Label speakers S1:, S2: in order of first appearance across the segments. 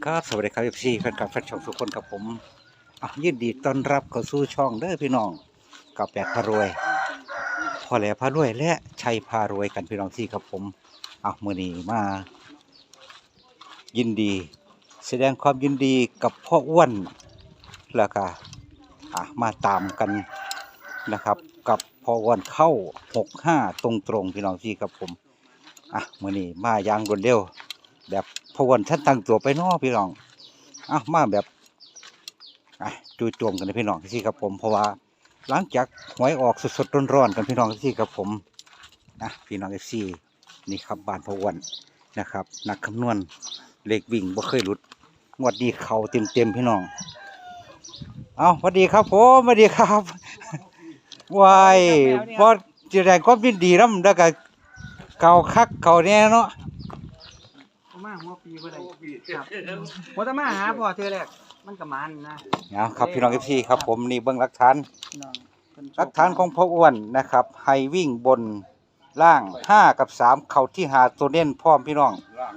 S1: ครับสวัสดีครับเอฟซีแฟนคลับแฟนช่องทุกคนกับผมยินดีต้อนรับเข้าสู่ช่องเด้อพี่น้องกับแปดพารวยพ่อแหล่พารวยและชัยพารวยกันพี่น้องที่ครับผมมื้อนี้มายินดีแสดงความยินดีกับพ่ออ้วนแล้วก็มาตามกันนะครับกับพ่ออ้วนเข้า65ตรงพี่น้องที่ครับผมมื้อนี้มาอย่างรวดเร็วแบบพ่ออ้วนท่านตั้งตัวไปน้อพี่น้องมาแบบจู่โจมกันเลยพี่น้องที่ครับผมเพราะว่าหลังจากหวยออกสดๆร้อนๆกันพี่น้องที่ครับผมพี่น้องFCนี่ครับบ้านพ่ออ้วนนะครับนักคำนวณเลขวิ่งบ่เคยหลุดงวดนี้เข้าเต็มพี่น้องสวัสดีครับผมสวัสดีครับวายพอจะได้ความยินดีนำแล้วก็เก่าคักเก่าแน่เนาะ
S2: มาหัวปีบ่ได้ครับบ่ต้องมาหาพ่อเธอแรกมันก็มันนะครับ
S1: พี่น้อง FC ครับผมนี่เบิ่งหลักฐาน
S2: หลัก
S1: ฐานของพ่ออ้วนนะครับให้วิ่งบนล่าง5กับ3เข้าที่หาตัวเน้นพร้อมพี่น้อง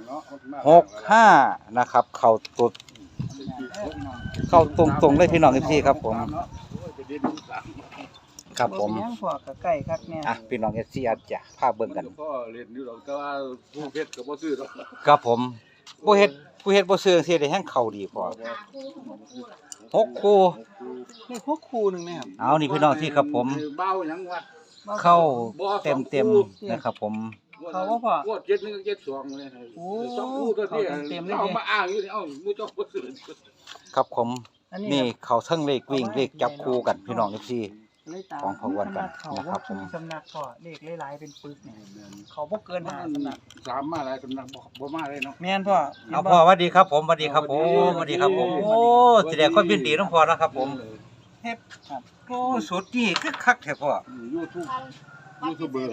S1: 65นะครับเข้าตัวเข้าตรงๆเลยพี่น้อง FC ครับผมครับผม
S2: ยังพ่อก็ใกล้คักแน่
S1: พี่น้อง FC อาจจะพาเบิ่งกัน
S3: ก็เรียนอยู่ดอกแต่ว่าผู้เฮ็ดก็บ่ซื้อดอก
S1: ครับผมผู้เฮ็ดบ่ซื้อสิได้แฮงเข้าดีพอ6คู่
S2: นี่พวกครูนึงนะครับ
S1: นี่พี่น้องที่ครับผม
S3: เบาหยังวัด
S1: เข้าเต็มนะครับผม
S2: เขาว่าพ่อ
S3: 7 1กับ7 2เลย2คู่ตัวนี้เอามาอ้างอยู่นี่มู้เจ้าบ่ซื้อ
S1: ครับผมนี่เขาเทิงเลขวิ่งเลขจับคู่กันพี่น้อง FC ของพ่ออ้วนกันนะครับผม
S2: สำนักพ่อเลขหลายๆเป็นปึกเนี่ยเขาบ่เกิน5สำนัก
S3: 3มาหลายสำนักบ่มาเลยเนาะ
S2: แม่นพ่อ
S1: พ่อสวัสดีครับผมสวัสดีครับผมสวัสดีครับผมโอ้แสดงความยินดีน้องพ่อนะครับผมเฮ็ดโอ้สุดนี่คึกคักแท้พ่อ
S3: ยูทูบเบอร์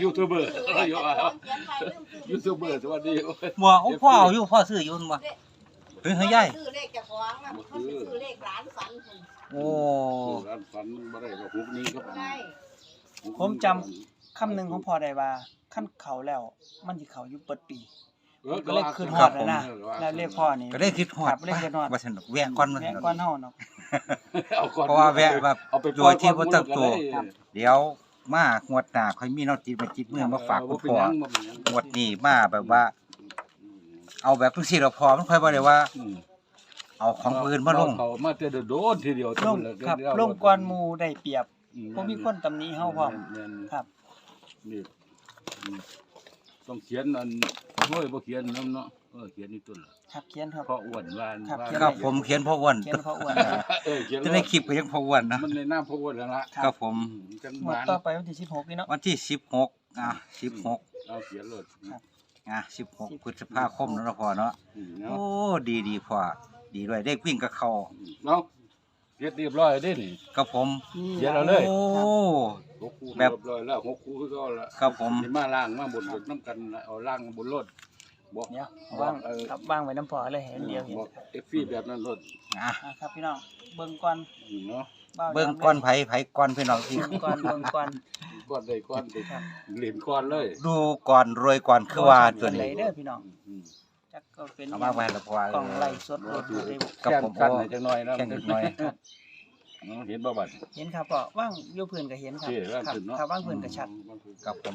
S3: สวัสดี
S1: พ่อเอาอยู่พ่อซื้ออยู่บ่เฮ้ยยาย
S4: ซื้อเลขเจ้าของน่ะมันสิซื้อเลขหลานฝัน
S1: โอ้
S3: ร้านฝันมันบ่ได้ดอก6นี้ครับ
S2: ผมจำคำหนึงของพ่อได้ว่าคั่นเขาแล้วมันสิเขาอยู่เปิดปีก็เลยขึ้นฮอดแล้วเรียกพ่อนี่
S1: ก็ได้คิดฮอดว่าซั่นแวะก่อน
S2: แวะก่อนเฮาเนาะ
S1: เพราะว่าแวะแบบโดยที่บ่ตั้งตัวเดี๋ยวมางวดหน้าค่อยมีน้ำจิตมาจิตมือมาฝากคุณพ่องวดนี้มาแบบว่าเอาแบบจังซี่แล้วพอมันค่อยบ่ได้ว่าเอาของอื่นมาลง
S3: เขามาแต่โดนทีเดียว
S2: ลงครับลงก่อนหมู่ได้เปรียบบ่มีคนตำหนิเฮาพร้อมครับ
S3: นี่ต้องเขียนอันโอ้ยบ่เขียนนำเนาะเขียนนี่ต้นล่ะ
S2: ครับเขียนครับ
S3: พ่ออ้วนว่า
S1: ครับผมเขียนพ่ออ้วนจะได้คลิปก็ยังพ่ออ้วนนะ
S3: มันในนามพ่ออ้วนแล้วล่ะ
S1: ครับผม
S3: จัง
S2: หวัดต่อไปวันที่16นี่เนาะ
S1: วันที่1616
S3: เอาเขียนเลย
S1: 16พฤษภาคมเนาะพ่อเนาะโอ้ดีพ่อดีด้วยได้วิ่งกับเขา
S3: เนาะเรียบร้อยเด้นี่
S1: ครับผม
S3: เขียนเอาเลย
S1: โอ้
S3: แบบเรียบร้อยแล้ว6คู่คือก็แล้ว
S1: ครับผม
S3: สิมาล่างมาบนน้ำกันเอาล่างบนรถ
S2: บอกเนี่ยวางครับวางไว้น้ำพอเลยเห็นเดียวเห็น
S3: FP แบบนั้นรถ
S2: ครับพี่น้องเบิ่งก่อน
S3: เนาะ
S1: เบิ่งก่อนไผก่อนพี่น้อง
S2: ที่ก่อนเบิ่งก่อน
S3: ได้ก่อนเหรียญก่อนเลย
S1: ดูก่อนรวยก่อนคือว่าตัวนี้
S2: เด้อพี่น้องจักก็เป็น
S1: เอามาไว้แล้วพอก
S2: ล่องไล่สดรถ
S3: กับผมกันจังหน่อยนะ
S1: แข่งหน่อย
S3: เห็นบ่บัด
S2: เห็นครับพ่อว่างอยู่พื้นก็เห็นครับครับว่างพื้นก็ชัด
S1: กับผม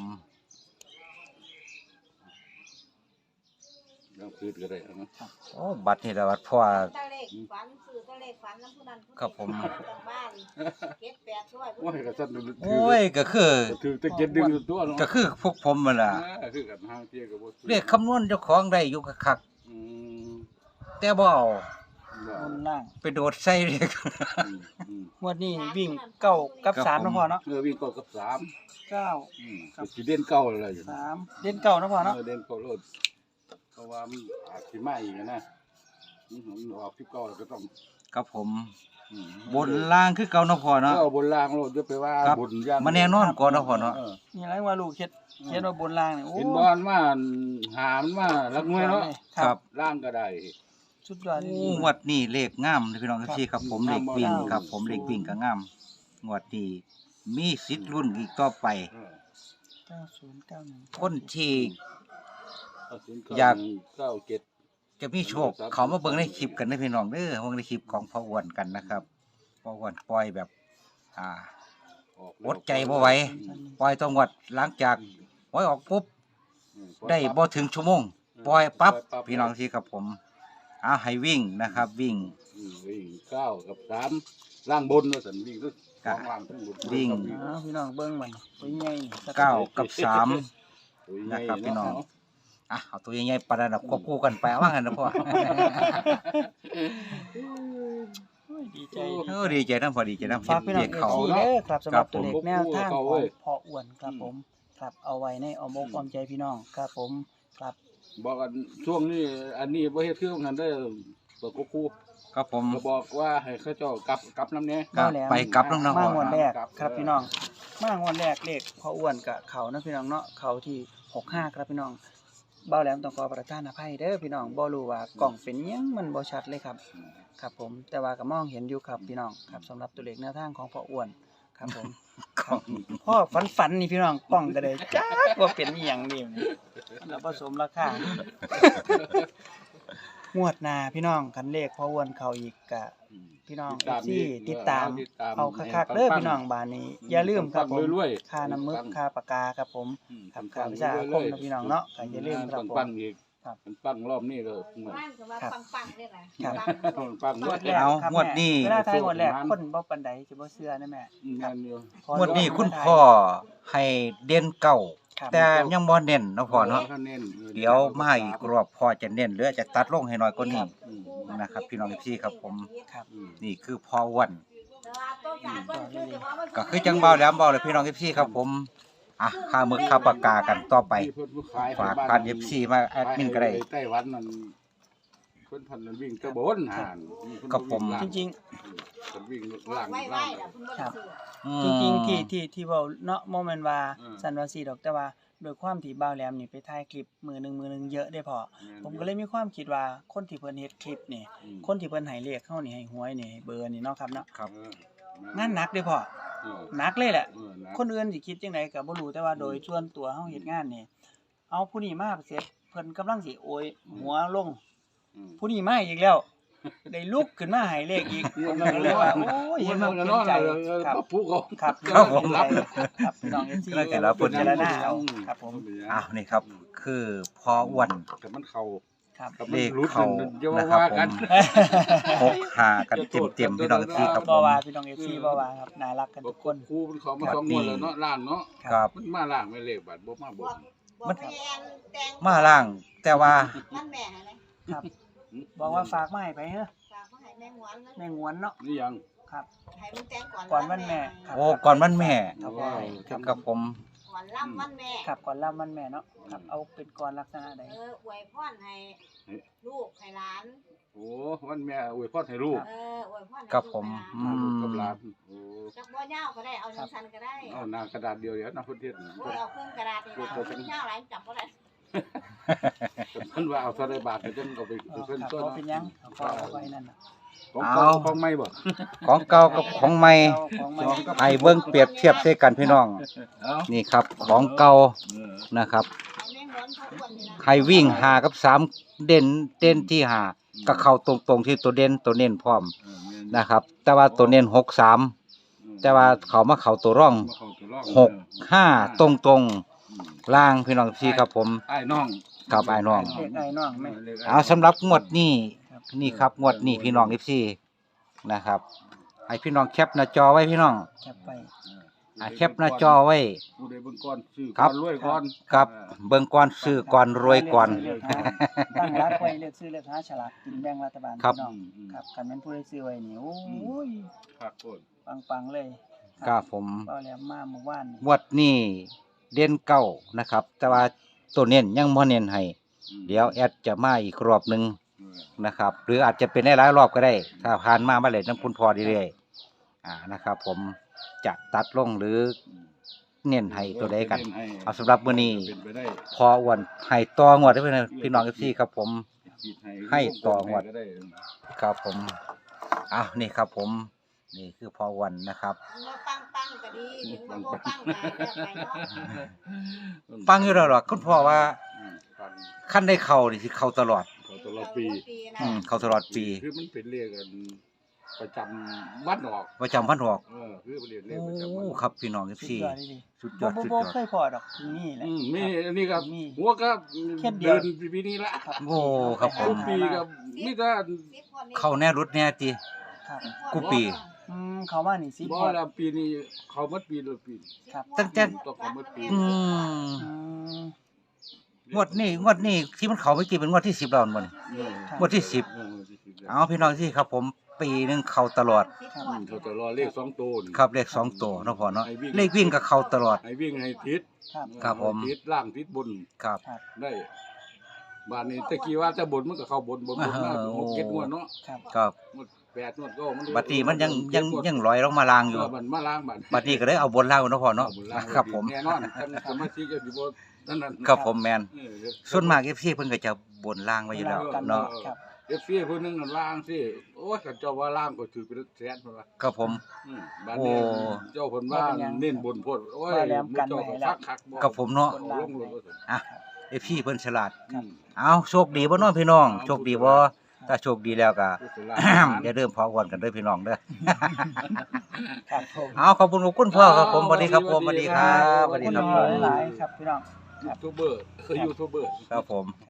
S3: ยังพื้นก็ได้นะ
S1: โอ้บัตรนี่ละบัตรพ่อครับผม
S3: โอ้ยก็สั่น
S1: โอ้ยก็คือ
S3: ถือตะเกียบดึงตัวเนาะ
S1: ก็คือพวกผมนั่นล่ะ
S3: คือกันห่างเที่ยก็บ่
S1: เรียกคำนวณเจ้าของได้อยู่คักแต่บ่เอา
S2: ล่าง
S1: ไปโดดใส่เรียก
S2: งวดนี้วิ่ง9กับ3นะพ่อเนาะ
S3: วิ่ง9กับ3
S2: 9
S3: กับสิเด่น9อะไร
S2: 3เด่น9นะพ่อเนาะ
S3: เด่น9โลดเพราะว่ามันอาจสิมาอีกนะมันออกที่9แล้วก็ต้อง
S1: ครับผมบนล่างคือเก่าเนาะพ่อเนาะ
S3: บนล่างโลดจะไปว่า
S1: บนย่างมันแน่นอนก่อนเนาะพ่อเนาะ
S2: นี่ไรว่าลูกเฮ็ดว่าบนล่างนี่โอ้
S3: เห็นบอลมาหามมาลักน้อยเนาะ
S1: ครับ
S3: ล่างก็ได้
S2: สุดยอด
S1: งวดนี้เลขงามพี่น้องที่ครับผมเลขวิ่งครับผมเลขวิ่งก็งามงวดนี้มีสิทธิ์รุ่นอีกต่อไป
S2: 9091
S1: คนที่อยาก
S3: 97
S1: จะมีโชคเขามาเบิ่งในคลิปกันได้อพี่น้องเด้อเบิ่งในคลิปของพ่ออ้วนกันนะครับพ่ออ้วนปล่อยแบบอดใจบ่ไหวปล่อยต้องงวดหลังจากปล่อยออกปุ๊บได้บ่ถึงชั่วโมงปล่อยปั๊บพี่น้องที่กับผมให้วิ่งนะครับวิ่ง
S3: วิ่ง9 กับ 3ล่างบนว่าซั่นวิ่งคือ2ล่างทั้งบน
S1: วิ่ง
S2: พี่น้องเบิ่งมันตัวใหญ่นี่
S1: 9 กับ 3นะครับพี่น้องเอาตัวใหญ่ๆปานนั้นควบคู่กันไปว่างั้นนะพ่อ
S2: ดีใจ
S1: ดีใจนำพอดีใจนำ
S2: ฝากพี่น้อง
S1: เด็กเขา
S2: FC เด้อครับสำหรับตัวเลข
S1: ครับผม
S2: แนวทางของพ่ออ้วนครับผมครับเอาไว้ในอ้อมอกอ้อมใจพี่น้องครับผมครับ
S3: บอกกันช่วงนี้อันนี้บ่เฮ็ดคือกันได้ตัวกู
S1: ครับผม
S3: ก็บอกว่าให้เขาเจ้ากลับน้ำแน่
S1: ก็ไปกลับน้องๆ
S2: มางวดแรก
S3: ครับ
S2: ครับพี่น้องมางวดแรกเลขพ่ออ้วนกับเขานะพี่น้องเนาะเขาที่65ครับพี่น้องเบ้าแหลมต้องขอประทานอภัยเด้อพี่น้องบ่รู้ว่ากล่องเป็นหยังมันบ่ชัดเลยครับ ครับผมแต่ว่าก็มองเห็นอยู่ครับพี่น้องครับสำหรับตัวเลขแนวทางของพ่ออ้วนครับผมครับพ่อฝันนี่พี่น้องกล้องก็ได้จักว่าเป็นอีหยังนี่แล้วผสมราคางวดหน้าพี่น้องคันเลขพ่ออ้วนเขาอีกกะพี่น้องที่ติดตามเอาคักๆเด้อพี่น้องบ้านนี้อย่าลืมครับผมค่าน้ำมึกค่าปากกาครับผมครับค่าวิชาอาคมนะพี่น้องเนาะก็อย่าลืมครับผม
S3: ปังอีก
S2: ครับ
S3: มันปังรอบนี้เลยเหมือน
S4: บ้านก็ว่าปังๆเนี่ยแหละ
S2: ครับ
S3: ปัง
S2: งวดแรก
S1: เอา
S2: ครับ
S1: งวดนี้
S2: เวลาทายงวดแรกคนบ่ปานใดสิบ่เชื่อนะแม่
S3: งานอยู่
S1: งวดนี้คุณพ่อให้เด่นเก่า
S2: ครับ
S1: แต่ยังบ่เน้นเนาะพ่อเนาะ
S3: เ
S1: เดี๋ยวมาอีกรอบพ่อจะเน้นหรือจะตัดลงให้น้อยกว่านี้ นะครับพี่น้องพี่ครับผม
S2: ครับ
S1: นี่คือพ่ออ้วน ก็
S4: ก็
S1: คือจังเบาแหลมเบาเลยพี่น้องพี่ครับผมค่ามึกค่าปากกากันต่อไป ฝากผ่าน FC มาแอดมินก็ได้
S3: ไต้หวันนั่นเพิ่นพันนั้นวิ่งตะบนห่าน
S1: กับผม
S2: จริง
S3: เพิ่นวิ่ง
S4: ๆ
S3: ล่าง
S4: ไว้
S3: ล่าง
S4: ๆล่ะเพิ่นบ่ได้ซื้อ
S2: จริงๆที่เว้าเนาะบ่แม่นว่า
S3: อืม
S2: สันว่าสิดอกแต่ว่าโดยความที่บ่าวแหลมนี่ไปถ่ายคลิปมือหนึงเยอะได้พอผมก็เลยมีความคิดว่าคนที่เพิ่นเฮ็ดคลิปนี่คนที่เพิ่นให้เลขเฮานี่ให้หวยนี่ให้เบอร์นี่เนาะครับเนาะ
S1: ครับ
S2: งานหนักเด้อพ่อ
S3: เออ
S2: หนักเลยแหละ
S3: เออนะ
S2: คนอื่นสิคิดจังไดก็บ่รู้แต่ว่าโดยส่วนตัวเฮาเฮ็ดงานนี่เอาผู้นี้มาเสร็จเพิ่นกำลังสิโอยหัวลง
S3: อืม
S2: ผู้นี้มาอีกแล้ว ได้ลุกขึ้นมาให้เลขอีกผมก็เลยว่าโอ้ยเห็นมันเป็นใจครับ
S3: ผู้เขา
S2: ครับ
S1: ครับผม
S2: ครับพี่น้อง FC
S1: แล้วแต่ละคน
S2: พิจารณาเอาครับผม
S1: นี่ครับ คือพ่ออ้วน
S3: แต่มันเข้า
S2: ครับ
S3: กับ
S1: เล
S3: มัน
S1: ข
S3: รู้
S1: เข้า
S3: อย่า
S1: นะ
S3: ว่า
S1: ครับ
S3: ว่า
S1: ผ
S3: กัน
S1: ม6 5กันเต็มๆพี่น้องพี่ครับผ
S2: บ่
S1: ม
S2: ว่าพี่น้อง FC บ่ว่าครับน่ารักกันทุกคน
S3: ครูมันเขามาสองงวดแล้วเนาะล่างเนาะ
S1: ครับ
S3: มันมาล่างไม่เลขบาทบ่มาบ่
S4: บอกแม่แอนแตง
S1: มาล่างแต่ว่า
S4: มันแม่ให้เลย
S2: ครับ บอกว่าฝากมาให้ไปเฮ้อ
S4: ฝากมาให้แม่หวนนะ
S2: แม่งวนเนาะ
S3: นี่ยัง
S2: ครับ
S4: ให้มันแตงก่อน
S2: ก่อนวันแม่ครับ
S1: โอ้ก่อนวันแม่
S2: ครับ
S3: ว้าว
S1: ครับผม
S4: ก่อนล่ำวันแม่
S2: ครับก่อนรับวันแม่เนาะครับเอาเป็นก่อนลักษณะใด
S4: อวยพรให้ลูกให้หลาน
S3: โอ้วันแม่อวยพรให้ลูก
S4: อวยพรให้
S1: ครับ
S4: ลูก
S1: ผม
S4: ให้หลาน
S3: กับหลานโอ้
S4: จักบ่ยาวก็ได้เอาสั้นๆก็ได้
S3: เอาหน้ากระดาษเดียวเดี๋ยวนะเพิ่นเฮ็ด
S4: โอ้ยเอาเครื่องกระดาษนี่ล่ะเอายาวหลายจับบ่ได้
S3: มันว่าเอาเท่าใดบาทก็จังเอาไป
S2: ครับ
S3: เพิ่น
S2: ข
S3: ต้น
S2: อเป็นหยังขอเอาไว้นั่นน่ะ
S3: ของเก่าของใหม่บ่
S1: ของเก่ากับของใหม่
S2: ของใหม่
S1: ให้เบิ่งเปรียบเทียบใส่กันพี่น้อง
S3: เอ้า
S1: นี่ครับของเก่านะครับ
S4: เอาแม่หวนเขาอ้วนนี่ล่ะ
S1: ให้วิ่ง5กับ3เด่นที่5ก็เข้าตรงๆที่ตัวเด่นตัวเน้นพร้อมนะครับ แต่ว่าตัวเน้น63แต่ว่าเขามาเข้าตัวร่อง6 5ตรงๆล่างพี่น้องพี่ครับผม
S3: ไอ้น้อง
S1: ครับไอ้น้อง
S2: เลขไอ้น้องแม่
S1: เอาสำหรับงวดนี้
S2: ครับ
S1: นี่ครับงวดนี้พี่น้อง14นะครับให้พี่น้องแคปหน้าจอไว้พี่น้อง
S2: แคปไป
S1: แคปหน้าจอไว้
S3: ผู้ใดเบิ่งก่อนซื้อ
S1: ครั
S3: ก่อบ นรวยก่อน
S1: ครับเบิ่งก่อนซื้อก่อนรวยก่อน
S2: ตั้งรักไว้เลือกซื้อเลือกหาฉลากกินแบ่งรัฐบาล
S1: ครับ
S2: พี่น้องครับคันแม่นผู้ใดซื้อไว้นี่โอ้ย
S3: ครับโคตร
S2: ปังๆเลย
S1: ครับผม
S2: เอาแล้วมาเมื่อวานนี่
S1: งวดนี้เด่นเก้านะครับ แต่ว่าตัวเน้นยังบ่เน้นให้เดี๋ยวแอดจะมาอีกรอบหนึงนะครับ หรืออาจจะเป็นได้หลายรอบก็ได้ ถ้าผ่านมาเมื่อไหร่น้ำคุณพอเรื่อยๆนะครับ ผมจะตัดลงหรือเน้นให้ตัวใดกัน เอาสำหรับมื้อนี้
S3: เป็นไปได้
S1: พออ้วนให้ต่องวดได้พี่น้องFCครับผม
S3: คิด
S1: ให้ต่องวด
S3: ก็ได้
S1: ครับผมนี่ครับผม นี่คือพออ้วนนะครับ
S4: ว่าปังๆก็ดีถึงว่าบ่ปังก็เลือกไปเนาะ
S1: ปังอยู่แล้วหรอกคุณพ่อว่า
S3: ปัง
S1: ขั้นได้เข้านี่สิเข้าตลอด
S3: เขาตลอดปี
S1: เข้าตลอดปี
S3: คือมันเป็นเลขกันประจำวันออก
S1: ประจำวันออก
S3: คือเป็นเลข
S1: โอ้
S3: ประจำวันออก
S1: ครับพี่น้อง
S2: สุด
S1: FC
S2: ยอดเลยดิ
S1: สุดย
S2: บ่
S1: อด
S2: บ่
S1: สุด
S2: บ่
S1: ยอด
S2: เคยพอดอกนี่แหละ
S3: มีอันนี้ครับ
S2: มี
S3: หัวก็
S2: แค่เดียว
S3: เดินปีนี้ละ
S2: ครับ
S1: โอ้ครับผม
S3: ทุกปีกับมีแต่
S1: เข้าแน่รุดแน่ติ
S2: ครับ
S1: กูปี
S2: เขามานี่สิ
S3: บ่ละปีนี้เขาหมดปีละปี
S2: ครับ
S1: ตั้งแต่
S3: ต้องเขาหมดปี
S1: อืม
S2: อืม
S1: งวดนี้ที่มันเข้าเมื่อกี้เป็นงวดที่10แล้วบ่นี่ งวดที่10
S3: งวดที่10
S1: เอาพี่น้องที่ครับผมปีหนึงเข้าตลอด
S3: เขาจะรอเลข2ตัวนี่
S1: ครับเลข2ตัวเนาะพ่อเนาะเลขวิ่งก็เข้าตลอด
S3: ให้วิ่งให้ทิศ
S2: ครับ
S1: ครับผม
S3: ทิศล่างทิศบน
S1: ครับ
S3: ได้บ้านนี้ตะกี้ว่าจะบนมันก็เข้าบนมา
S1: โอ้
S3: 6 7งวดเนาะ
S2: ครับ
S1: ครับ
S3: งวด8งวดก็มัน
S1: บัดนี้มันยังลอยลงมาลางอยู่
S3: มันมาล้างบัด
S1: บัดนี้ก็เลยเอาบนล่างเนาะพ่อเนาะ
S3: บนล่าง
S1: ครับผม
S3: แน่นอนท่านสมาชิกก็สิบ่นั่น
S1: ครับผมแมน
S3: เออ
S1: ส่วนมาก FC เพิ่นก็จะบนล่างไว้อยู่แล้ว
S2: กัน
S1: เนาะ
S2: ครับ
S3: FC ผู้หนึงน่ะล้างสิโอ้ยเขาเจ้าว่าล้างก็ถือเป็นแสนพุ่นว่า
S1: ครับผม
S3: บ้านนี้
S1: โอ้
S3: เจ้าเพิ่นว่าเน้นบนโพดโอ้ย
S2: ว่าแล้วกัน
S3: เจ้า
S2: ไว้
S3: ก็
S2: แล้ว
S3: คักๆบ่
S1: กับผมเนาะ
S3: ลงเลยว่าซั่น
S1: อ่ะ FC เพิ่นฉลาด
S3: อืม
S1: เอาโชคดีบ่เน้องพี่น้องโชคดีบ่ถ้าโชคดีแล้วก็
S3: ผู้สลาด
S1: อย่าลืมพอก่อนกันเด้อพี่น้องเด้อ
S2: ครับผม
S1: เอาขอบคุณพ่อครับผมสวัสดีครับผมสวัสดีครับสวัสดีครับ
S2: ข
S1: ผ
S2: อ
S1: ม
S2: ณหลายๆครับพี่น้อง
S3: ยูทูบเบอร์คือยูทูบเบอร์
S1: ครับผม